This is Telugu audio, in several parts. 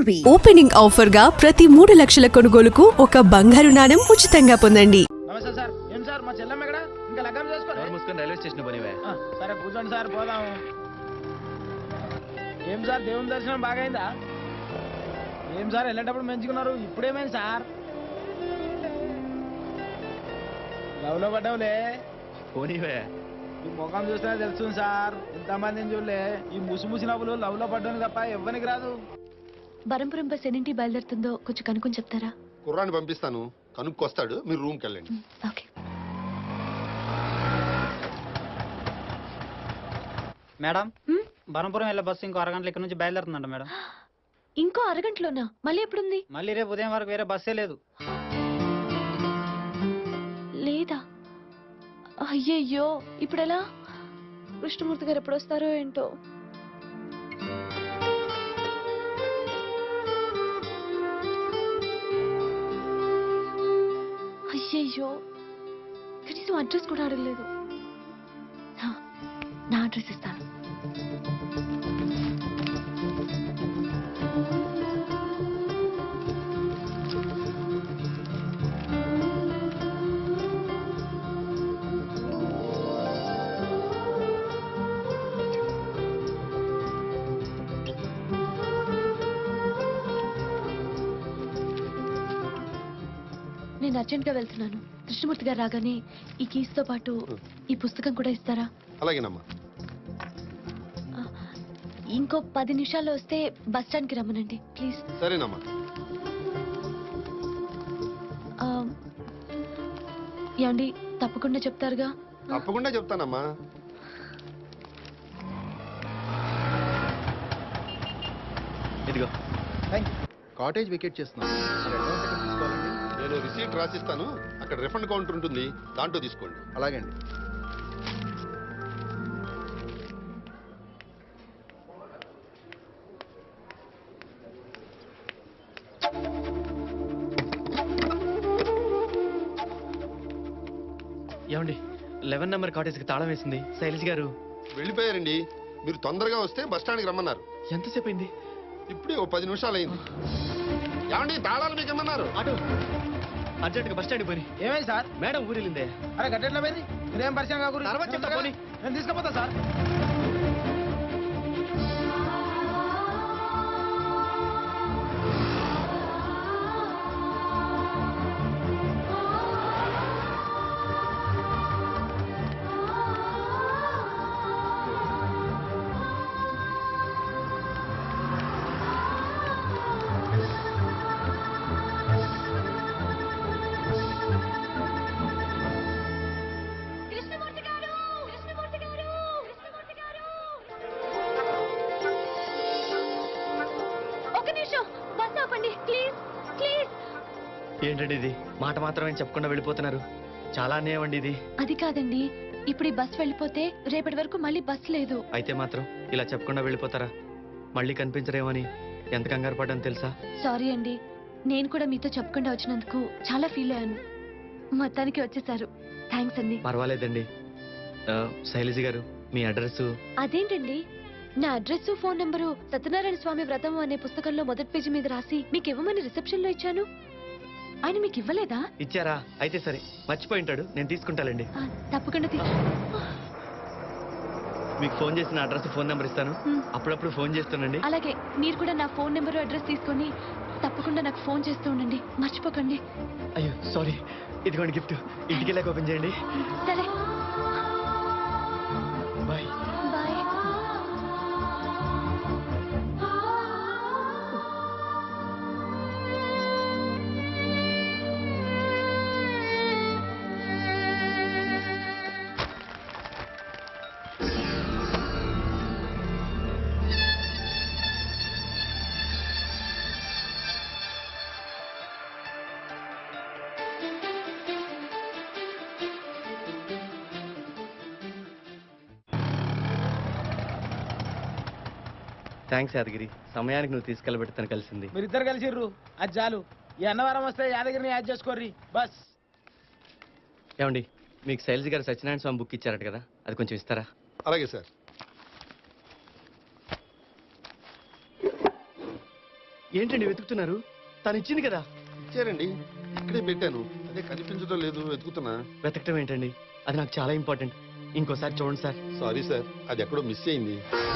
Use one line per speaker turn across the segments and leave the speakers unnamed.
జ్యువెలరీ ఓపెనింగ్ ఆఫర్ గా ప్రతి 3 లక్షల కొనుగోలుకు ఒక బంగారు నాణెం ఉచితంగా పొందండి.
నమస్తే సార్. ఏం సార్ మా చెల్లెమ్మ ఎక్కడ? ఇంకా లగ్గం చేసుకోలేదు.
మూసుకొని రైల్వే స్టేషన్ పోనివే.
సరే కూర్చోండి సార్, పోదాం. ఏం సార్ దేవుని దర్శనం బాగైందా? ఏం సార్ వెళ్ళేటప్పుడు మంచుకున్నారు, ఇప్పుడేమైంది సార్? లవ్లో పడ్డావులే.
పోనివే.
ఈ ముఖం చూస్తేనే తెలుస్తుంది సార్, ఇంతమందిని చూడలే. ఈ ముసి నవ్వులు లవ్లో పడ్డానికి తప్ప ఎవ్వనికి రాదు.
బరంపురం బస్ ఎన్నింటి బయలుదేరుతుందో కొంచెం కనుక్కొని చెప్తారా?
కుర్రాన్ని పంపిస్తాను, కనుక్కొస్తాడు, మీరు రూమ్కి వెళ్ళండి.
ఓకే.
మేడం, బరంపురం వెళ్ళే బస్సు ఇంకో అరగంటల ఇక్కడ నుంచి బయలుదేరుతుందంట మేడం.
ఇంకో అరగంటలోనా? మళ్ళీ ఎప్పుడుంది?
మళ్ళీ రేపు ఉదయం వరకు వేరే బస్సే లేదు.
లేదా? అయ్యయ్యో, ఇప్పుడు ఎలా? కృష్ణమూర్తి గారు ఎప్పుడు వస్తారో ఏంటో. అయ్యయ్యో, కనీసం అడ్రస్ కూడా అడగలేదు. నా అడ్రస్ ఇస్తాను. నేను అర్జెంట్ గా వెళ్తున్నాను. కృష్ణమూర్తి గారు రాగానే ఈ కీస్ తో పాటు ఈ పుస్తకం కూడా ఇస్తారా?
అలాగేనమ్మా.
ఇంకో 10 నిమిషాల్లో వస్తే బస్ స్టాండ్ కి రమ్మనండి ప్లీజ్.
సరేనమ్మా.
ఏమండి, తప్పకుండా చెప్తారుగా?
తప్పకుండా చెప్తానమ్మా.
ఇదిగో
కాటేజ్ వికెట్ చేస్తున్నాను.
నేను రిసీట్ రాసిస్తాను, అక్కడ రిఫండ్ కౌంటర్ ఉంటుంది, దాంట్లో తీసుకోండి.
అలాగే అండి.
ఏమండి, 11 నెంబర్ కాటేజ్కి తాళం వేసింది. శైలజ్ గారు
వెళ్ళిపోయారండి. మీరు తొందరగా వస్తే బస్ స్టాండ్కి రమ్మన్నారు.
ఎంతసేపు అయింది?
ఇప్పుడే ఓ 10 నిమిషాలు అయింది. ఏమండి, తాళాలు మీకు ఏమన్నారు?
ఆటో అర్జెంట్గా బస్ స్టాండ్కి పోయి.
ఏమైంది సార్?
మేడం ఊరిలిందే.
అరే గట్టెట్లా పోయింది? మీరేం పరిచయం కాకూడదు.
తర్వాత చెప్తా పోనీ.
నేను తీసుకుపోతా సార్.
ఏంటండి ఇది? మాట మాత్రమే చెప్పకుండా వెళ్ళిపోతున్నారు. చాలా అన్యాయం అండి ఇది.
అది కాదండి, ఇప్పుడు ఈ బస్ వెళ్ళిపోతే రేపటి వరకు మళ్ళీ బస్ లేదు.
అయితే మాత్రం ఇలా చెప్పకుండా వెళ్ళిపోతారా? మళ్ళీ కనిపించరేమని ఎంత కంగారు పడ్డాను తెలుసా?
సారీ అండి, నేను కూడా మీతో చెప్పకుండా వచ్చినందుకు చాలా ఫీల్ అయ్యాను. మొత్తానికి వచ్చేసారు, థ్యాంక్స్ అండి.
పర్వాలేదండి. శైలజ గారు, మీ అడ్రస్?
అదేంటండి, నా address phone number Satyanarayana Swamy Vratam అనే పుస్తకంలో మొదటి పేజీ మీద రాసి మీకు ఇవ్వమని రిసెప్షన్ లో ఇచ్చాను. ఆయన మీకు ఇవ్వలేదా?
ఇచ్చారా? అయితే సరే, మర్చిపోయి ఉంటాడు, నేను తీసుకుంటానండి.
తప్పకుండా
మీకు ఫోన్ చేసిన అడ్రస్ ఫోన్ నెంబర్ ఇస్తాను, అప్పుడప్పుడు ఫోన్ చేస్తానండి.
అలాగే, మీరు కూడా నా ఫోన్ నెంబరు అడ్రస్ తీసుకొని తప్పకుండా నాకు ఫోన్ చేస్తూ ఉండండి, మర్చిపోకండి.
అయ్యో సారీ, ఇదిగోండి గిఫ్ట్, ఇంటికి వెళ్ళాక ఓపెన్ చేయండి.
సరే,
బాయ్.
బాయ్.
థ్యాంక్స్ యాదగిరి, సమయానికి నువ్వు తీసుకెళ్ళబెడతాను కలిసింది.
మీరిద్దరు కలిసిర్రు, అది చాలు. ఈ అన్నవరం వస్తే యాదగిరిని యాడ్ చేసుకోర్రి బస్.
ఏమండి, మీకు శైలజ గారు సత్యనారాయణ స్వామి బుక్ ఇచ్చారట కదా, అది కొంచెం ఇస్తారా?
అలాగే సార్.
ఏంటండి వెతుకుతున్నారు? తను ఇచ్చింది కదా.
ఇచ్చారండి, ఇక్కడే పెట్టాను. అదే కనిపించడం లేదు, వెతుకుతున్నా.
వెతకటం ఏంటండి? అది నాకు చాలా ఇంపార్టెంట్. ఇంకోసారి చూడండి సార్.
సారీ సార్, అది ఎక్కడో మిస్ అయింది.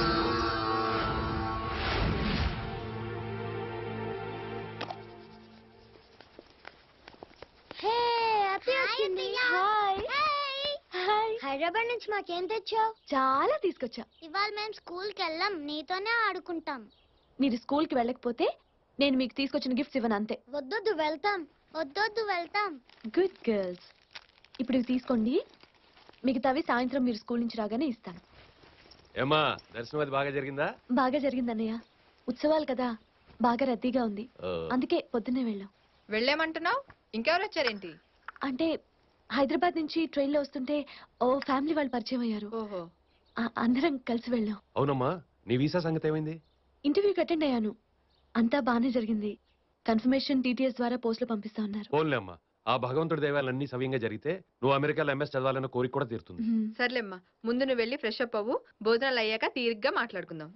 హైదరాబాద్ నుంచి మాకేం తెచ్చావు?
చాలా తీసుకొచ్చా.
ఇవాళ మేము స్కూల్ కి వెళ్ళాం, నీతోనే ఆడుకుంటాం.
మీరు స్కూల్ కి వెళ్ళకపోతే నేను మీకు తీసుకొచ్చిన గిఫ్ట్స్ ఇవ్వను అంతే.
వద్దొద్దు వెళ్తాం, వద్దొద్దు వెళ్తాం.
Good girls. ఇప్పుడు ఇవి తీసుకోండి, మిగతావి సాయంత్రం మీరు స్కూల్ నుంచి రాగానే ఇస్తాను.
ఏమా దర్శనం అది బాగా జరిగిందా?
బాగా జరిగిందన్నయ్య. ఉత్సవాలు కదా, బాగా రద్దీగా ఉంది. అందుకే పొద్దున్నే వెళ్ళాం.
వెళ్ళామంటున్నావు, ఇంకెవరు వచ్చారేంటి?
అంటే హైదరాబాద్ నుంచి ట్రైన్ లో వస్తుంటే ఓ ఫ్యామిలీ వాళ్ళు పరిచయం అయ్యారు.
ఓహో,
అందరం కలిసి వెళ్ళాం.
అవునమ్మా, నీ వీసా సంగతి ఏమైంది?
ఇంటర్వ్యూకి అటెండ్ అయ్యాను, అంతా బానే జరిగింది. కన్ఫర్మేషన్ టీటీఎస్ ద్వారా పోస్టులు పంపిస్తా ఉన్నారు.
ఫోన్లే అమ్మా, ఆ భగవంతుడి దైవాలన్నీ సవ్యంగా జరిగితే నువ్వు అమెరికాలో ఎంఎస్ చదవాలన్న కోరిక కూడా తీరుతుంది.
సర్లేమ్మా, ముందు నువ్వు వెళ్ళి ఫ్రెష్ అప్ అవ్వు, భోజనాలు అయ్యాక తీరిగ్గా మాట్లాడుకుందాం.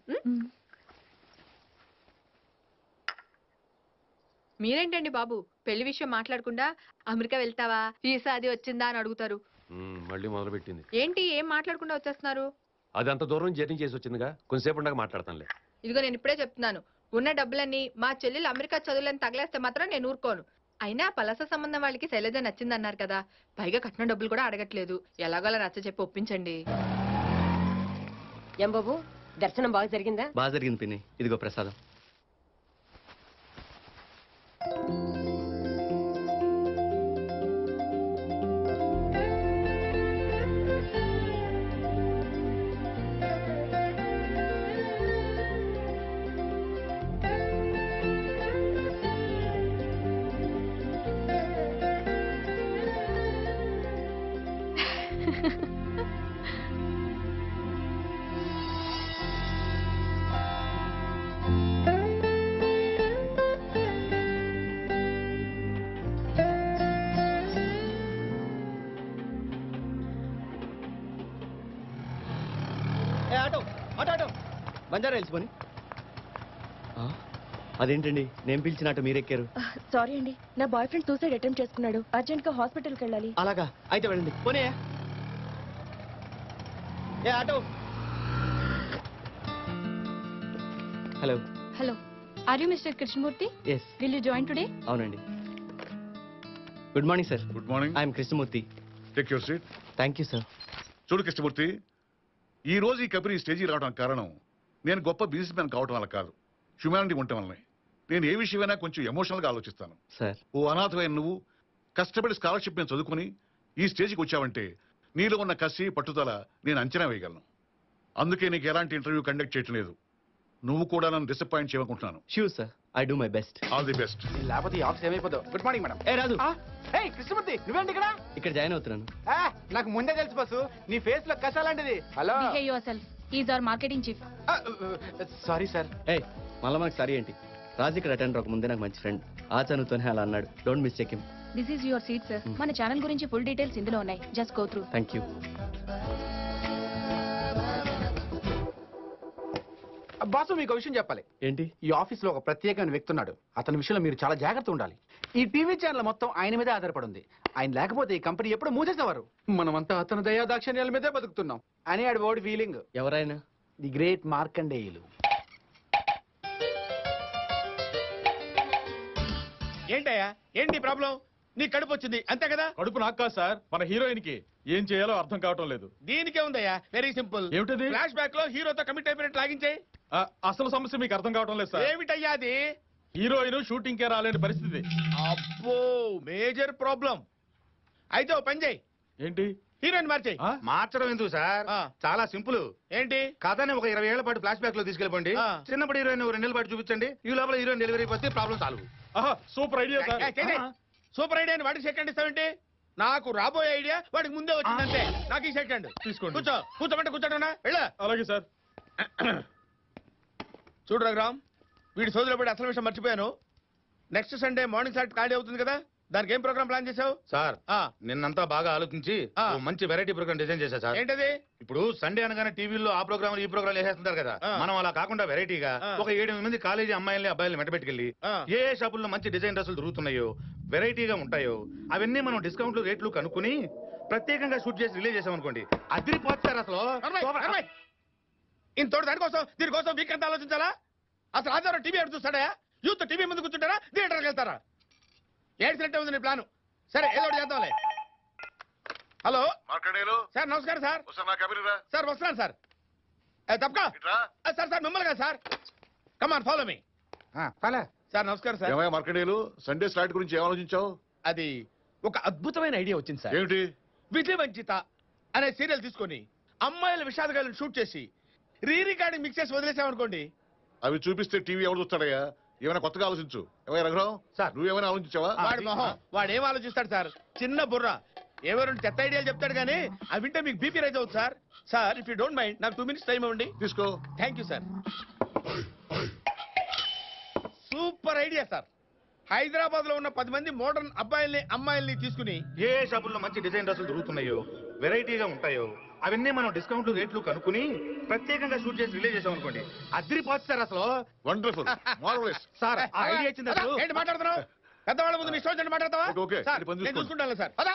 మీరేంటండి బాబు, పెళ్లి విషయం మాట్లాడకుండా అమెరికా వెళ్తావా, వీసా అది వచ్చిందా అని అడుగుతారు.
మళ్ళీ మొదలు పెట్టింది.
ఏంటి ఏం మాట్లాడకుండా వచ్చేస్తున్నారు?
అది అంత దూరం జర్నీ చేసి వచ్చిందిగా, కొంతసేపు ఉండగా మాట్లాడతానులే.
ఇదిగో నేను ఇప్పుడే చెప్తున్నాను, ఉన్న డబ్బులన్నీ మా చెల్లెలు అమెరికా చదువులని తగలేస్తే మాత్రం నేను ఊరుకోను. అయినా పలస సంబంధం వాళ్ళకి శైలజ నచ్చిందన్నారు కదా, పైగా కట్నం డబ్బులు కూడా అడగట్లేదు. ఎలాగోలా నచ్చ చెప్పి ఒప్పించండి.
ఏం బాబు, దర్శనం బాగా జరిగిందా?
బాగా జరిగింది పిన్ని. ఇదిగో ప్రసాదం. బంజారా హిల్స్ పోని. అదేంటండి నేను పిలిచినట్టు మీరెక్కారు?
సారీ అండి, నా బాయ్ ఫ్రెండ్ సూసైడ్ అటెంప్ట్ చేసుకున్నాడు, అర్జెంట్ గా హాస్పిటల్కి వెళ్ళాలి.
అలాగా, అయితే వెళ్ళండి. పోనీ auto. Hello
hello, are you mister Krishnamurthy?
Yes.
Will you join today?
అవునండి. Good morning sir.
Good morning.
I'm Krishnamurthy.
Take your seat.
Thank you sir.
చూడు కృష్ణమూర్తి, ఈ రోజు ఈ కంపెనీ స్టేజీ రావడానికి కారణం నేను గొప్ప బిజినెస్ మ్యాన్ కావటం వల్ల కాదు, హ్యుమానిటీ ఉండటం వల్లనే. నేను ఏ విషయమైనా కొంచెం ఎమోషనల్గా ఆలోచిస్తాను.
సార్,
ఓ అనాథమైన నువ్వు కష్టపడి స్కాలర్షిప్ మీద చదువుకుని ఈ స్టేజ్కి వచ్చావంటే నీలో ఉన్న కసి పట్టుదల నేను అంచనా వేయగలను. అందుకే నీకు ఎలాంటి ఇంటర్వ్యూ కండక్ట్ చేయటం లేదు. నువ్వు కూడా నన్ను డిసప్పాయింట్ చేయకుంటున్నాను.
Sure sir, I do my best.
All the best.
లేకపోతే ఈ ఆఫీస్ ఏమైపోతావు. Good morning madam.
ఏ రాజు,
కృష్ణమూర్తి నువ్వేంటి ఇక్కడ?
ఇక్కడ జాయిన్ అవుతున్నాను.
నాకు ముందే తెలుసు బస్సు, నీ ఫేస్ లో కసాలాంటిది. Hello,
is our marketing chief.
Sorry sir.
ఏ మళ్ళీ మనకు సరి ఏంటి? రాజు ఇక్కడ అటెండ్ అవ్వక ముందే నాకు మంచి ఫ్రెండ్, ఆ చనువుతోనే అలా అన్నాడు. Don't miss check him.
This is your seat sir. మన ఛానల్ గురించి ఫుల్ డీటెయిల్స్ ఇందులో ఉన్నాయి, just go through.
Thank you.
Boss, మీకు విషయం చెప్పాలి.
ఏంటి?
ఈ ఆఫీస్ లో ఒక ప్రత్యేకమైన వ్యక్తి ఉన్నాడు. అతని విషయంలో మీరు చాలా జాగ్రత్త ఉండాలి. ఈ టీవీ ఛానల్ మొత్తం ఆయన మీదే ఆధారపడి ఉంది. ఆయన లేకపోతే ఈ కంపెనీ ఎప్పుడు మూసేసేవారు. మనమంతా అతని దయా దాక్షిణ్యాల మీదే బతుకుతున్నాం అని ఆడి ఓడి ఫీలింగ్.
ఎవరైనా?
The great Markandeyulu.
ఏంటయ్యా, ఏంటి ప్రాబ్లం? నీ కడుపు వచ్చింది అంతే కదా?
కడుపు నాకు కాదు సార్, మన హీరోయిన్ కి ఏం చేయాలో అర్థం కావటం లేదు.
దీనికే ఉందయ్యా, వెరీ సింపుల్.
ఏమిటది?
ఫ్లాష్ బ్యాక్ లో హీరోతో కమిట్ అయిపోయినట్టు లాగించే.
అసలు సమస్య మీకు అర్థం కావటం లేదు సార్.
ఏమిటయ్యా అది?
హీరోయిన్ షూటింగ్ కే రాలేని పరిస్థితి.
అబ్బో, మేజర్ ప్రాబ్లం. అయితే ఓ పని చేయి.
ఏంటి?
హీరోయిన్ మార్చేయి.
మార్చడం ఎందుకు సార్, చాలా సింపుల్.
ఏంటి?
కథని ఒక 20 ఏళ్ల పాటు ఫ్లాష్ బ్యాక్ లో తీసుకెళ్ళిపోండి. చిన్నప్పుడు హీరోయిన్ 2 నెలల పాటు చూపించండి. ఈ లోపల హీరోయిన్ డెలివరీ అయిపోతే problem solve.
Super idea sir.
Super idea అని వాడికి సెకండ్ ఇస్తావేంటి? నాకు రాబోయే ఐడియా వాడికి ముందే వచ్చిందంటే నాకు ఈ సెకండ్.
తీసుకోండి.
కూర్చోమంటే కూర్చోటనా? వెళ్ళా.
అలాగే సార్.
చూడు రఘురామ్, వీడి సోదరులో పడి అసలు విషయం మర్చిపోయాను. నెక్స్ట్ సండే మార్నింగ్ సార్ ఖాళీ అవుతుంది కదా, దానికి ఏం ప్రోగ్రామ్ ప్లాన్ చేసావు?
సార్ నిన్నంతా బాగా ఆలోచించి ఓ మంచి వెరైటీ ప్రోగ్రామ్ డిజైన్ చేశా సార్.
ఏంటది?
ఇప్పుడు సండే అనగానే టీవీలో ఆ ప్రోగ్రామ్ ఈ ప్రోగ్రామ్ వేసేస్తుంటారు కదా, మనం అలా కాకుండా వెరైటీగా ఒక 7-8 మంది కాలేజీ అమ్మాయిల్ని అబ్బాయిల్ని మెట్టబెట్టుకెళ్ళి ఏ షాపుల్లో మంచి డిజైన్ డ్రెస్సులు దొరుకుతున్నాయో వెరైటీగా ఉంటాయో అవన్నీ మనం డిస్కౌంట్లు రేట్లు కనుక్కుని ప్రత్యేకంగా షూట్ చేసి రిలీజ్ చేసాం అనుకోండి, అదిరిపోతారు అసలు.
ఇంతోటి దీనికోసం వీక్ అంతా ఆలోచించాలా? అసలు ఆధారం టీవీ ఎప్పుడు చూస్తాడా? యూత్ టీవీ ముందు కూర్చుంటారా, థియేటర్కి వెళ్తారా? ఏడ్చినట్టే ఉంది నీ ప్లాను. సరే ఏదో ఒకటి చేద్దాంలే. హలో సార్, నమస్కారం సార్. సార్ వస్తున్నాను సార్. తప్పక సార్ మిమ్మల్ని కదా sir. Come on follow me. Sir నమస్కారం సార్.
మార్కండేయులు, సండే స్లాట్ గురించి ఏం ఆలోచించావు?
అది ఒక అద్భుతమైన ఐడియా వచ్చింది సార్.
ఏమిటి?
విజయవంచిత అనే సీరియల్ తీసుకొని అమ్మాయిల విషాదగాలను షూట్ చేసి రికార్డింగ్ మిక్స్ చేసి వదిలేసామనుకోండి.
అవి చూపిస్తే టీవీ ఎవరు చూస్తాడయ్యా? ఏమైనా కొత్తగా ఆలోచించు. ఏమైనా రఘురావు
సార్,
నువ్వేమైనా ఆలోచించావా?
వాడి మొహం వాడు ఏం ఆలోచిస్తాడు సార్? చిన్న బుర్ర ఏవో 2 చెత్త ఐడియాలు చెప్తాడు కానీ అవి వింటే మీకు బీపీ రైజ్ అవుతుంది sir. Sir if you don't mind నాకు 2 minutes టైం ఇవ్వండి.
తీసుకో.
Thank you sir. Super idea sir. Hyderabad లో ఉన్న 10 మంది మోడర్న్ అబ్బాయిల్ని అమ్మాయిల్ని తీసుకుని
ఏ షాపుల్లో మంచి డిజైన్ డ్రెస్సులు దొరుకుతున్నాయో వెరైటీగా ఉంటాయో అవన్నీ మనం డిస్కౌంట్లు రేట్లు కనుక్కుని ప్రత్యేకంగా షూట్ చేసి రిలీజ్ చేసాం అనుకోండి, అదిరిపోతారు అసలు.
Wonderful, marvellous.
సార్ ఆ ఐడియా వచ్చింది అసలు.
ఏంటి మాట్లాడుతున్నావు? పెద్దవాళ్ళ ముందు నీ ఇష్టం వచ్చినట్టు మాట్లాడతావా?
ఓకే,
సార్
ఇది పని
నేను
చూసుకోండి.
చూసుకుంటాను సార్. పదా.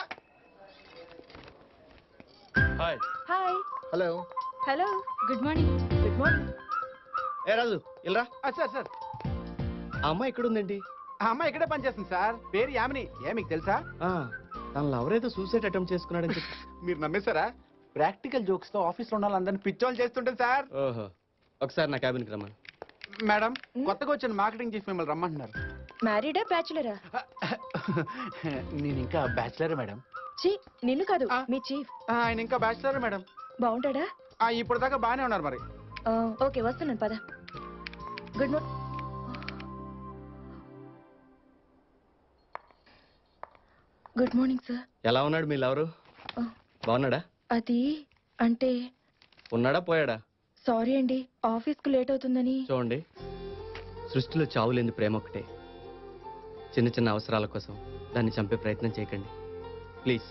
Hi.
Hi.
Hello.
Hello. Good morning. Good morning.
ఏ రాజు ఇలా
సార్ సార్,
ఆ అమ్మాయి ఎక్కడుందండి?
ఆ అమ్మాయి ఇక్కడే పనిచేస్తుంది సార్. పేరు యామిని. మీకు తెలుసా?
తన లవరేదో సూసైడ్ అటెంప్ట్ చేసుకున్నాడని చెప్పి.
మీరు నమ్మేశారా? ప్రాక్టికల్ జోక్స్ తో ఆఫీస్ లో ఉన్న వాళ్ళందరినీ పిచ్చోళ్ళు చేస్తుంటుంది సార్.
ఓహో, ఒకసారి నా క్యాబిన్కి రమ్మని.
మేడం, కొత్తగా వచ్చిన మార్కెటింగ్ చీఫ్ మిమ్మల్ని రమ్మంటున్నారు.
మ్యారీడా బ్యాచులరా?
నేను ఇంకా బ్యాచిలర్ మేడం.
ఛీ, నిన్ను కాదు మీ చీఫ్.
ఆయన ఇంకా బ్యాచిలర్ మేడం.
బాగుంటాడా?
ఇప్పుడు దాకా బాగానే ఉన్నారు మరి.
ఓకే వస్తున్నాను పద. Good morning. Good morning sir.
ఎలా ఉన్నాడు మీ లవరు? బాగున్నాడా?
అది అంటే
ఉన్నాడా పోయాడా?
సారీ అండి, ఆఫీస్కు లేట్ అవుతుందని.
చూడండి, సృష్టిలో చావులేని ప్రేమ ఒకటే. చిన్న చిన్న అవసరాల కోసం దాన్ని చంపే ప్రయత్నం చేయకండి ప్లీజ్.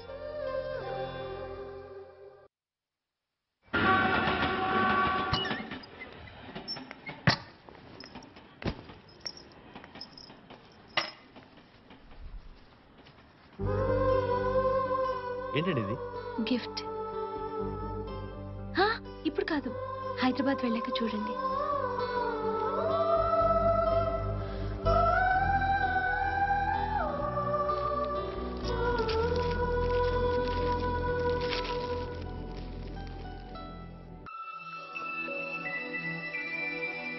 ఏంటండి ఇది?
గిఫ్ట్. ఇప్పుడు కాదు, హైదరాబాద్ వెళ్ళాక చూడండి.